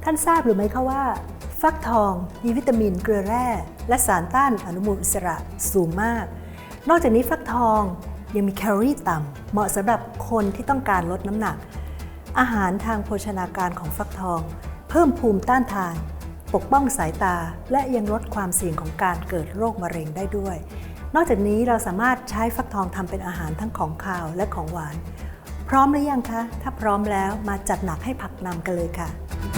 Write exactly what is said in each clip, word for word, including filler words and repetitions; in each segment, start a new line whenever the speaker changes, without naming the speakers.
ท่านทราบหรือไม่คะว่าฟักทองมีวิตามินเกลือแร่และสารต้านอนุมูลอิสระสูงมากนอกจากนี้ฟักทองยังมีแคลอรี่ต่ำเหมาะสำหรับคนที่ต้องการลดน้ำหนักอาหารทางโภชนาการของฟักทองเพิ่มภูมิต้านทานปกป้องสายตาและยังลดความเสี่ยงของการเกิดโรคมะเร็งได้ด้วยนอกจากนี้เราสามารถใช้ฟักทองทำเป็นอาหารทั้งของคาวและของหวานพร้อมหรือยังคะถ้าพร้อมแล้วมาจัดหนักให้ผักนำกันเลยค่ะ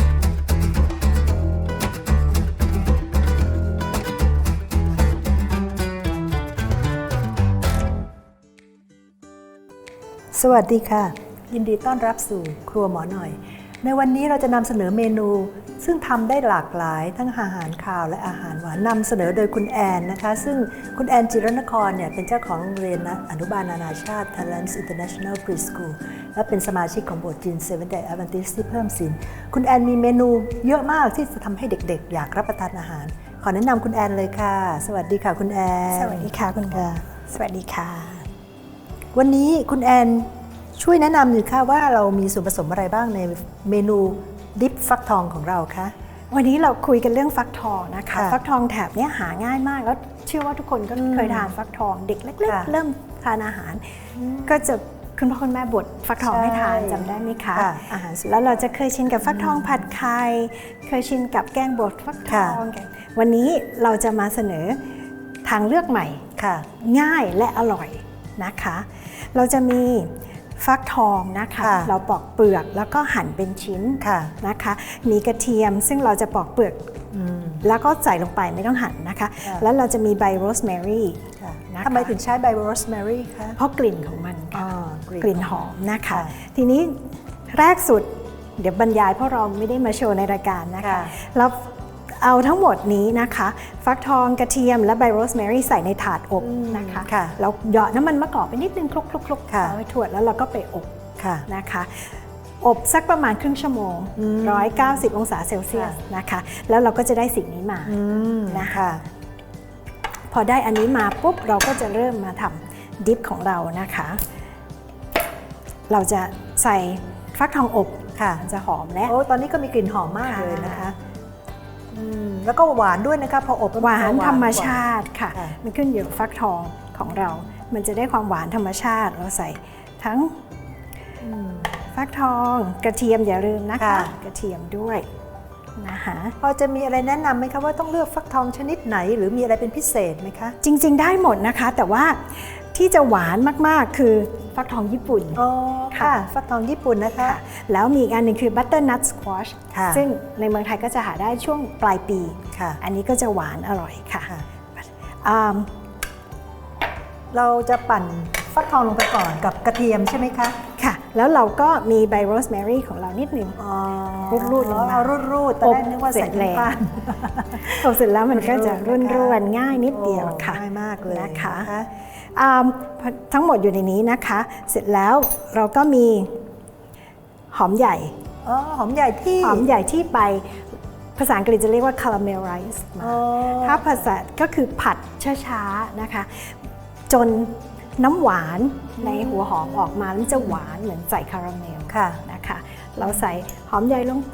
สวัสดีค่ะยินดีต้อนรับสู่ครัวหมอหน่อยในวันนี้เราจะนำเสนอเมนูซึ่งทำได้หลากหลายทั้งอาหารคาวและอาหารหวานนำเสนอโดยคุณแอนนะคะซึ่งคุณแอนจิรนครเนี่ยเป็นเจ้าของโรงเรียนอนุบาลนานาชาติ Talents International Preschool และเป็นสมาชิกของโบสถ์จีน Seventh Day Adventist ที่เพิ่มศีลคุณแอนมีเมนูเยอะมากที่จะทำให้เด็กๆอยากรับประทานอาหารขอแนะนำคุณแอนเลยค่ะสวัสดีค่ะคุณแอน
สวัสดีค่ะคุณค่ะสวัสดีค่ะ
วันนี้คุณแอนช่วยแนะนำหน่อยค่ะว่าเรามีส่วนผสมอะไรบ้างในเมนูดิปฟักทองของเราคะ
วันนี้เราคุยกันเรื่องฟักทองนะคะฟักทองแถบนี้หาง่ายมากแล้วเชื่อว่าทุกคนก็เคยทานฟักทองเด็กเล็กๆเริ่มทานอาหารก็จะคุณพ่อคุณแม่บดฟักทองให้ทานจำได้ไหมคะอาหารแล้วเราจะเคยชินกับฟักทองผัดไข่เคยชินกับแกงบดฟักทองวันนี้เราจะมาเสนอทางเลือกใหม่ง่ายและอร่อยนะคะเราจะมีฟักทองนะคะเราปอกเปลือกแล้วก็หั่นเป็นชิ้นนะคะมีกระเทียมซึ่งเราจะปอกเปลือกแล้วก็ใส่ลงไปไม่ต้องหั่นนะคะแล้วเราจะมีใบโรสแมรี่
ทำไมถึงใช้ใบโรสแมรี่คะ
เพราะกลิ่นของมันกลิ่นหอมนะคะทีนี้แรกสุดเดี๋ยวบรรยายเพราะเราไม่ได้มาโชว์ในรายการนะคะแล้วเอาทั้งหมดนี้นะคะฟักทองกระเทียมและใบโรสแมรี่ใส่ในถาดอบนะคะแล้วเหยาะน้ำมันมะกอกไปนิดนึงคลุกๆๆเอาไว้ถั่วแล้วเราก็ไปอบนะคะอบสักประมาณครึ่งชั่วโมงหนึ่งร้อยเก้าสิบองศาเซลเซียสนะคะแล้วเราก็จะได้สิ่งนี้มานะคะพอได้อันนี้มาปุ๊บเราก็จะเริ่มมาทำดิปของเรานะคะเราจะใส่ฟักทองอบค่ะจะหอมและ
โอ้ตอนนี้ก็มีกลิ่นหอมมากเลยนะคะแล้วก็หวานด้วยนะคะพออบ
หวานธรรมชาติค่ะมันขึ้นอยู่กับฟักทองของเรามันจะได้ความหวานธรรมชาติเราใส่ทั้งฟักทองกระเทียมอย่าลืมนะคะกระเทียมด้วยนะคะ
พอจะมีอะไรแนะนำไหมคะว่าต้องเลือกฟักทองชนิดไหนหรือมีอะไรเป็นพิเศษไหมคะ
จริงๆได้หมดนะคะแต่ว่าที่จะหวานมากๆคือฟักทองญี่ปุ่น
อ๋อค่ะฟักทองญี่ปุ่นนะคะ
แล้วมีอีกอันหนึ่งคือบัตเตอร์นัทสควอชซึ่งในเมืองไทยก็จะหาได้ช่วงปลายปีอันนี้ก็จะหวานอร่อยค่ะ
เราจะปั่นฟักทองลงไปก่อนกับกระเทียมใช่ไหมคะ
ค่ะแล้วเราก็มีใบโรสแมรี่ของเรานิดนึงรูดๆลงมา
รูดๆแต่ได้นึกว่าใส่น้ำตาล
อบเสร็จแล้วมันก็จะร่วนๆง่ายนิดเดียวค่ะ
ง่ายมากเลย
นะคะทั้งหมดอยู่ในนี้นะคะเสร็จแล้วเราก็มีหอมใหญ่
อ๋อหอมใหญ่ที่
หอมใหญ่ที่ไปภาษาอังกฤษจะเรียกว่า caramelize ถ้าภาษาก็คือผัดช้าๆนะคะจนน้ำหวานในหัวหอมออกมาแล้วจะหวานเหมือนใส่คาราเมลนะคะเราใส่หอมใหญ่ลงไป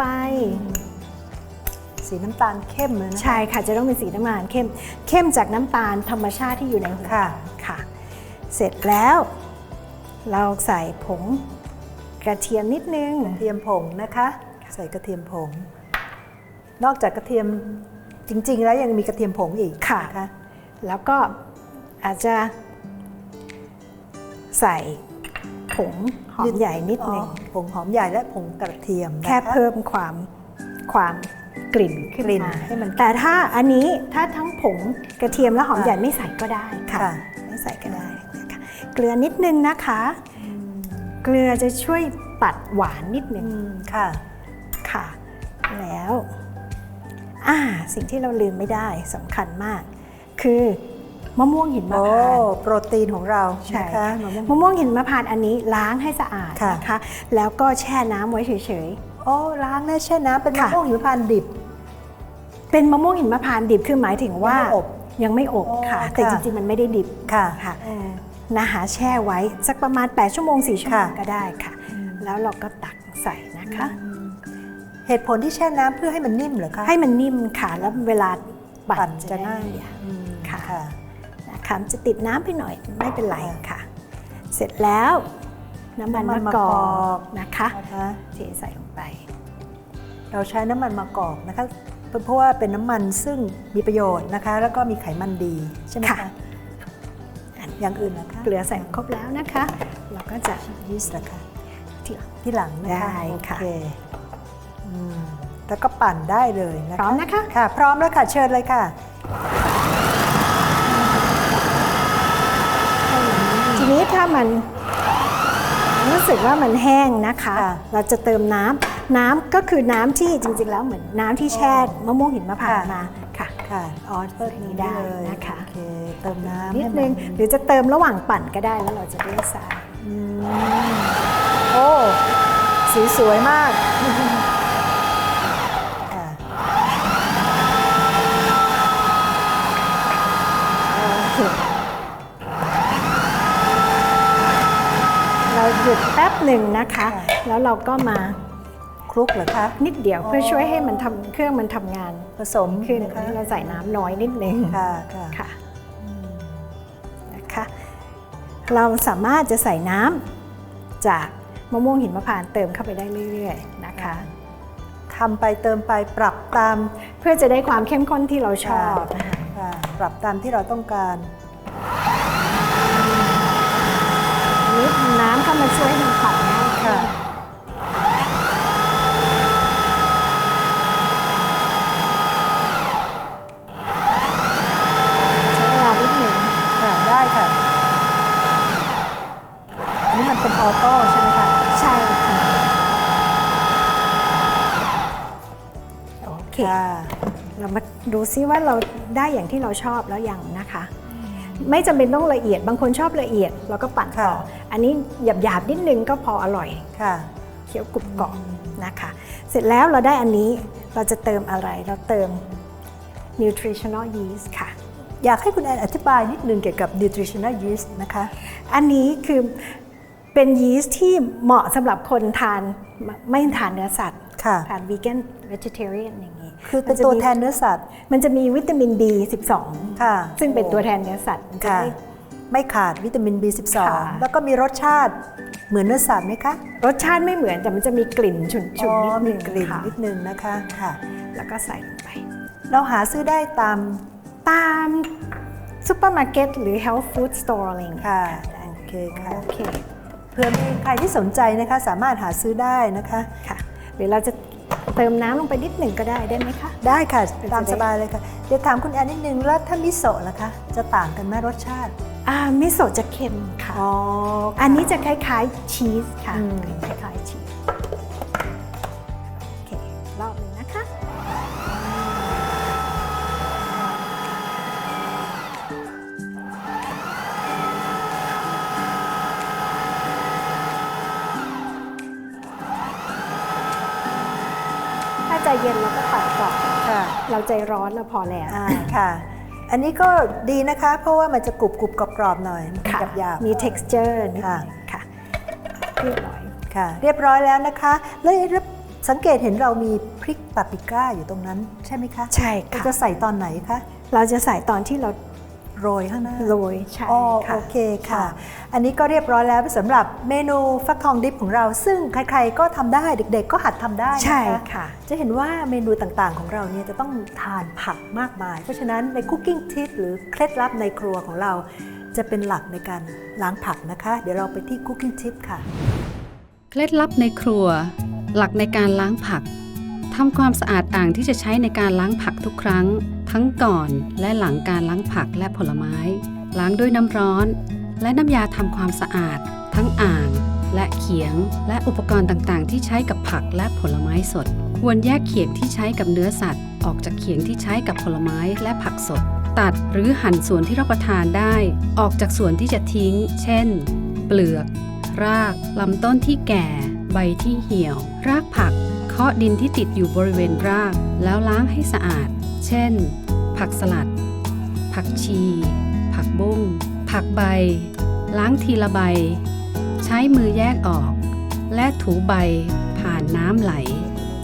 สีน้ำตาลเข้มเลยนะ
ใช่ค่ะจะต้องเป็นสีน้ำตาลเข้มเข้มจากน้ำตาลธรรมชาติที่อยู่ในหัวค่ะเสร็จแล้วเราใส่ผงกระเทียมนิดนึง
กระเทียมผงนะคะใส่กระเทียมผงนอกจากกระเทียมจริงๆแล้วยังมีกระเทียมผงอีก
ค่ะแล้วก็อาจจะใส่ผงหอมใหญ่นิดนึง
ผงหอมใหญ่และผงกระเทียม
แค่เพิ่มความความกลิ่นขึ้นมาให้มันแต่ถ้าอันนี้ถ้าทั้งผงกระเทียมและหอมใหญ่ไม่ใส่ก็ได้ค่ะไม่ใส่ก็ได้นะคะเกลือนิดนึงนะคะเกลือจะช่วยตัดหวานนิดนึง
ค่ะ
ค่ะแล้วอ่าสิ่งที่เราลืมไม่ได้สำคัญมากคือมะม่วงหินมะพร้าว
โปรตีนของเรา
ใช่ค่ะมะม่วงหินมะพร้าวอันนี้ล้างให้สะอาดนะคะแล้วก็แช่น้ำไว้เฉย
ๆโอ้ล้างแล้วแช่น้ำเป็นมะม่วงหิมพานต์ดิบ
เป็นมะม่วงหินมะพร้าวดิบคือหมายถึงว่ายังไม่อบค่ะแต่จริงๆมันไม่ได้ดิบ
ค่ะ
ค่ะนะคะแช่ไว้สักประมาณแปดชั่วโมงสี่ชั่วโมงก็ได้ค่ะแล้วเราก็ตักใส่นะคะ
เหตุผลที่แช่น้ำเพื่อให้มันนิ่มเหรอคะ
ให้มันนิ่มค่ะแล้วเวลาปั่
ปั่
น
น
จะ
จะ
ง่า
ง่าย ยอืม
ค่ะ
ค่ะ
นะคะจะติดน้ำไปหน่อยไม่เป็นไร
ค่ะ
ค่ะ เสร็จแล้วน้ำมัน
น้ำมัน
มะกอ
มะกอก
กนะคะ
นะคะ
เทใส่ลงไป
เราใช้น้ำมันมะกอกนะคะเพราะว่าเป็นน้ำมันซึ่งมีประโยชน์นะคะ แล้วก็มีไขมันดีใช่ไหม
ค่ะ
คะอย่างอื่นนะคะ
เกลือใส่ครบแล้วนะคะ เราก็จะ
ยีสต์นะคะ
ที่
ที่หลังนะคะ
ได้ค่ะ
โอเคอืมแล้วก็ปั่นได้เลยนะคะ
พร้อมนะคะ
ค่ะ พร้อมแล้วค่ะเชิญเลยค่ะ
ทีนี้ถ้ามันรู้สึกว่ามันแห้งนะคะ
ค่ะ
เราจะเติมน้ำน้ำก็คือน้ำที่จริงๆแล้วเหมือนน้ำที่แช่มะม่วงหินมะพร้าวมาค่ะ
ค่ะอ๋อเติมนี้ได้เลย
นะคะ
โอเคเติมน้ำ
นิด
ให้
นึง
มั
หรือจะเติมระหว่างปั่นก็ได้แล้วเราจะได้ทราย
อืมโอ้สีสวยมากค่ะ
โอเคเราหยุดแป๊บหนึ่งนะคะ แล้วเราก็มา
คลุกเหรอคะ
นิดเดียวเพื่อช่วยให้มันทำเครื่องมันทำงาน
ผสม
ขึ้น
นะคะ
เราใส่น้ำน้อยนิดนึง
ค่ะค่ะ
ค่ะนะคะเราสามารถจะใส่น้ำจากมะม่วงหินมะพร้าวเติมเข้าไปได้เรื่อยๆนะคะ
ทำไปเติมไปปรับตาม
เพื่อจะได้ความเข้มข้นที่เราชอบนะคะ
ค่ะปรับตามที่เราต้องการ
นิดน้ำเข้ามาช่วยให้มันปั่นง่ายขึ้
ค่ะ
นใช้เวลานิดหนึ่ง
ค่ะได้ค่ะ อันนี้มันเป็นออโต้ใช่ไหมคะ
ใช่ค่ะโอเค
ค่ะ
เรามาดูซิว่าเราได้อย่างที่เราชอบแล้วยังนะคะ ไม่จำเป็นต้องละเอียดบางคนชอบละเอียดเราก็ปั่นต่อ
ค่ะ
อันนี้หยาบๆนิดนึงก็พออร่อย
ค่ะ
เคี้ยวกรุบกรอบนะคะ เสร็จแล้วเราได้อันนี้เราจะเติมอะไรเราเติม nutritional yeast ค่ะ
อยากให้คุณแอนอธิบายนิดนึงเกี่ยวกับ nutritional yeast นะคะ
อันนี้คือเป็นยีสต์ที่เหมาะสำหรับคนทานไม่ทานเนื้อสัตว์
ค่ะ
ทาน vegan vegetarian อย่างนี้
คือเป็นตัวแทนเนื้อสัตว์
มันจะมีวิตามิน บี สิบสอง
ค่ะ
ซึ่งเป็นตัวแทนเนื้อสัตว์มันจะ
ค่ะ
ได้
ไม่ขาดวิตามิน บี สิบสอง
ค่ะ
แล้วก็มีรสชาติเหมือนเนื้อสัตว์ไหมคะ
รสชาติไม่เหมือนแต่มันจะมีกลิ่นฉุน
อ๋อ
ๆนิดนึง
มีกลิ่น
ค่ะ
นิดนึงนะคะค่ะ
แล้วก็ใส่ลงไป
เราหาซื้อได้ตาม
ตามซูเปอร์มาร์เก็ตหรือ health food store อะไรอย่างเงี้ย
ค่ะ
ได้
โอเคค่ะ
โอเค
เพื่อมีใครที่สนใจนะคะสามารถหาซื้อได้นะคะ
ค่ะหรือเราจะเติมน้ำลงไปนิดหนึ่งก็ได้ได้ไหมคะ
ได้ค่ะ
เป็น
ตาม
จะได้
สบายเลยค่ะ เดี๋ยวถามคุณแอนนิดนึงแล้วถ้ามิโซะล่ะคะ จะต่างกันไหมรสชาติ
อ่ามิโซะจะเค็มค่ะ
อ๋อ
อันนี้จะคล้ายๆชีสค่ะ
อืม
คล้ายๆชีสโอเครอบหนึ่งนะคะถ้าใจเย็นเราก็ปัดก่อน
ค่ะ
เราใจร้อนเราพอแล้ว
อ่าค่ะ อันนี้ก็ดีนะคะ เพราะว่ามันจะกรุบกรุบกรอบๆหน่อย
ค่ะ
หยาบๆ
มี texture นิด
ค่ะ
นึงค่ะเรียบร้อย
ค่ะ เรียบร้อยแล้วนะคะแล้วสังเกตเห็นเรามีพริกปาปริก้าอยู่ตรงนั้นใช่ไหมคะ
ใช่
เรา
ค่ะ
จะใส่ตอนไหนคะ
เราจะใส่ตอนที่เรา
โรยข้างหน้า
โรยใช่
อ๋อ
ค่ะ
โอเคค่ะ อันนี้ก็เรียบร้อยแล้วสำหรับเมนูฟักทองดิบของเรา ซึ่งใครๆก็ทำได้เด็กๆก็หัดทำได้นะคะ
ใช่ค่ะ
จะเห็นว่าเมนูต่างๆของเราเนี่ยจะต้องทานผักมากมาย เพราะฉะนั้นในคุกกิ้งทิปหรือเคล็ดลับในครัวของเรา จะเป็นหลักในการล้างผักนะคะ เดี๋ยวเราไปที่คุกกิ้งทิปค่ะ
เคล็ดลับในครัว หลักในการล้างผักทำความสะอาดอ่างที่จะใช้ในการล้างผักทุกครั้ง ทั้งก่อนและหลังการล้างผักและผลไม้ ล้างด้วยน้ำร้อน และน้ำยาทำความสะอาด ทั้งอ่าง และเขียง และอุปกรณ์ต่างๆ ที่ใช้กับผักและผลไม้สด ควรแยกเขียงที่ใช้กับเนื้อสัตว์ ออกจากเขียงที่ใช้กับผลไม้และผักสด ตัดหรือหั่นส่วนที่รับประทานได้ ออกจากส่วนที่จะทิ้ง เช่น เปลือก ราก ลำต้นที่แก่ ใบที่เหี่ยว รากผัก เคาะดินที่ติดอยู่บริเวณราก แล้วล้างให้สะอาด เช่น ผักสลัด ผักชี ผักบุ้ง ผักใบ ล้างทีละใบ ใช้มือแยกออก และถูใบผ่านน้ำไหล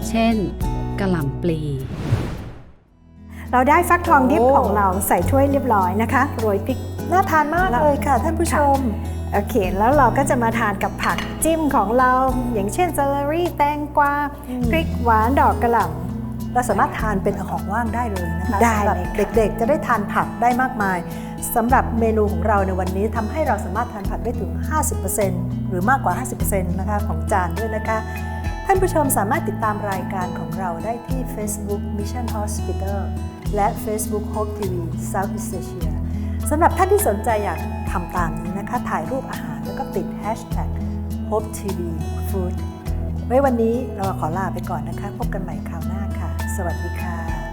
เช่นกะหล่ำปลี
เราได้ฟักทองดิบ
โอ้
ของเราใส่ถ้วยเรียบร้อยนะคะโรยพริก
น่าทานมากเลยค่ะท่านผู้ชม
โอเค แล้วเราก็จะมาทานกับผักจิ้มของเรา อย่างเช่นเซเลอรี่แตงกวา
อืม
พริกหวานดอกกระหล่
เราสามารถทานเป็นของว่างได้เลยนะคะ
ได้
สำหรับ
เลยค่ะ
เด็กๆจะได้ทานผักได้มากมายสำหรับเมนูของเราในวันนี้ทำให้เราสามารถทานผักได้ถึง ห้าสิบเปอร์เซ็นต์ หรือมากกว่า ห้าสิบเปอร์เซ็นต์ นะคะของจานด้วยนะคะ ท่านผู้ชมสามารถติดตามรายการของเราได้ที่ Facebook Mission Hospital และ Facebook Hope ที วี Southeast Asia สำหรับท่านที่สนใจอยากทำตามนี้นะคะถ่ายรูปอาหารแล้วก็ติด Hashtag Hope ที วี Food ไว้วันนี้เราขอลาไปก่อนนะคะ พบกันใหม่คราวหน้าค่ะ สวัสดีค่ะ